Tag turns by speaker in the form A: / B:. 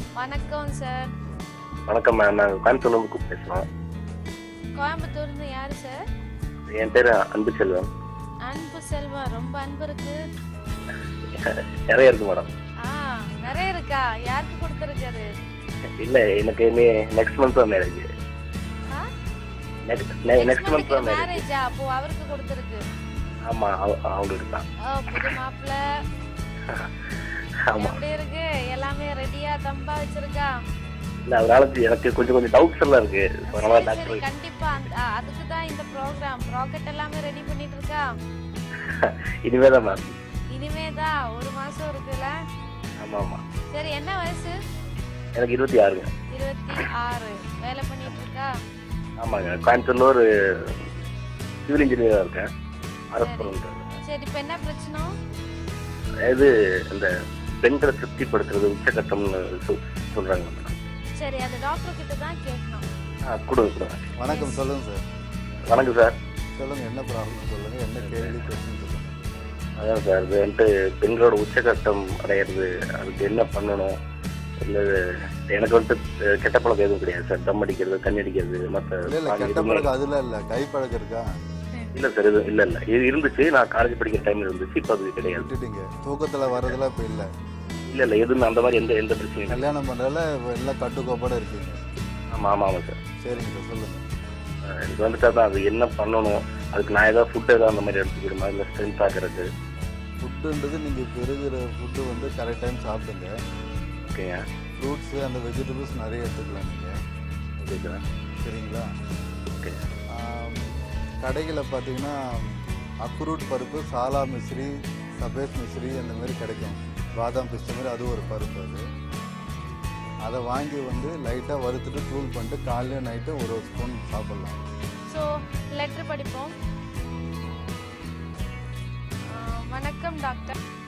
A: வணக்கம் சார்.
B: வணக்கம் மேம். நாங்கள் கோயம்புத்தூர்லேருந்து பேசுகிறோம்.
A: கோயம்புத்தூர்ந்து யாரு சார்?
B: என் பேர் அன்பு செல்வன்.
A: அன்பு செல்வம். ரொம்ப அன்பு இருக்கு.
B: நிறைய இருக்கு மேடம்.
A: நிறைய இருக்கா? யாருக்கு கொடுத்துருக்காரு?
B: இல்லை, எனக்கு நெக்ஸ்ட் மந்த் தான் மேரேஜ். நெக்ஸ்ட் மந்த் தான்
A: மேரேஜா? அப்போ அவருக்கு கொடுத்துருக்கு.
B: ஆமாம், அவங்களுக்கு தான்.
A: புது மாப்பிள்ள.
B: ஆமாம்.
A: எப்படி இருக்கு? எல்லாமே ரெடியா தம்பா வச்சிருக்கா?
B: இல்லை, அதனால எனக்கு கொஞ்சம் டவுட்ஸ் எல்லாம் இருக்கு.
A: கண்டிப்பா அதுக்கு தான் இந்த ப்ரோக்ராம். ராக்கெட் எல்லாமே ரெடி பண்ணிட்டு இருக்கா?
B: இனிமே தான் மேம்.
A: இனிமே தான். ஒரு மாசம் இருக்குல்ல?
B: ஆமாம் ஆமாம்.
A: சரி, என்ன வயசு?
B: எனக்கு 26.
A: 26. வேலை பண்ணிட்டு இருக்கா?
B: ஆமாங்க, கோயம்புத்தூர்ல ஒரு சிவில் இன்ஜினியராக இருக்கேன். அரசு.
A: சரி, இப்போ என்ன பிரச்சனை?
B: இது இந்த பெண்களை திருப்திப்படுத்துறது உச்சகட்டம்னு சொல்றாங்க மேடம்.
A: சரி, அது டாக்டர் கிட்ட தான் கேட்கணும்.
B: கொடுங்க.
C: வணக்கம், சொல்லுங்க சார்.
B: வணக்கம் சார்.
C: சொல்லுங்க, என்ன ப்ராப்ளம் சொல்லுங்க, என்ன கேள்வி பிரச்சனை சொல்லுங்க.
B: அதான் சார், இது வந்துட்டு பெண்களோட உச்சகட்டம் அடையிறது, அதுக்கு என்ன பண்ணணும்? இல்லை, எனக்கு வந்துட்டு கெட்ட பழக்கம் எதுவும் கிடையாது சார். தம் அடிக்கிறது, தண்ணி அடிக்கிறது, மற்ற
C: கெட்ட பழக்கம் அதெல்லாம் இல்லை. கை பழக்கம் இருக்கா?
B: இல்லை சார், இது இல்லை இது இருந்துச்சு. நான் காலேஜ் படிக்கிற டைம்ல இருந்துச்சு. இப்போ அது கிடையாது.
C: விட்டுட்டீங்க. தூக்கத்தில் வர்றதுலாம் இப்போ இல்லை.
B: இல்லை எதுவும் அந்த மாதிரி எந்த பிரச்சனையும்.
C: கல்யாணம் பண்ணுறதுல எல்லாம் கட்டுக்கோப்பாட இருக்கீங்க.
B: ஆமாம் சார்.
C: சரிங்க சார், சொல்லுங்க.
B: எனக்கு வந்துட்டு அதான், அது என்ன பண்ணணும்? அதுக்கு நான் ஏதாவது ஃபுட்டு ஏதாவது அந்த மாதிரி எடுத்துக்கிடுமா, இல்லை ஸ்ட்ரென்த் ஆகிறது?
C: ஃபுட்டுன்றது நீங்கள் இப்போ இருக்கிற ஃபுட்டு வந்து கரெக்ட் டைம் சாப்பிடுங்க.
B: ஓகேங்க.
C: ஃப்ரூட்ஸு அந்த வெஜிடபிள்ஸ் நிறைய எடுத்துக்கலாம் நீங்கள்.
B: ஓகே.
C: சரிங்களா?
B: ஓகே.
C: கடைகளில் பார்த்தீங்கன்னா அக்ரூட் பருப்பு, சாலா மிஸ்ரி, சபேஸ் மிஸ்ரி அந்த மாதிரி கிடைக்கும். பாதாம் பிஸ்த மாதிரி அது ஒரு பருப்பு. அதை வாங்கி வந்து லைட்டாக வறுத்துட்டு தூள் பண்ணிட்டு காலையில் நைட்டு ஒரு ஸ்பூன் சாப்பிட்லாம்.
A: ஸோ லெட்டர் படிப்போம். வணக்கம் டாக்டர்.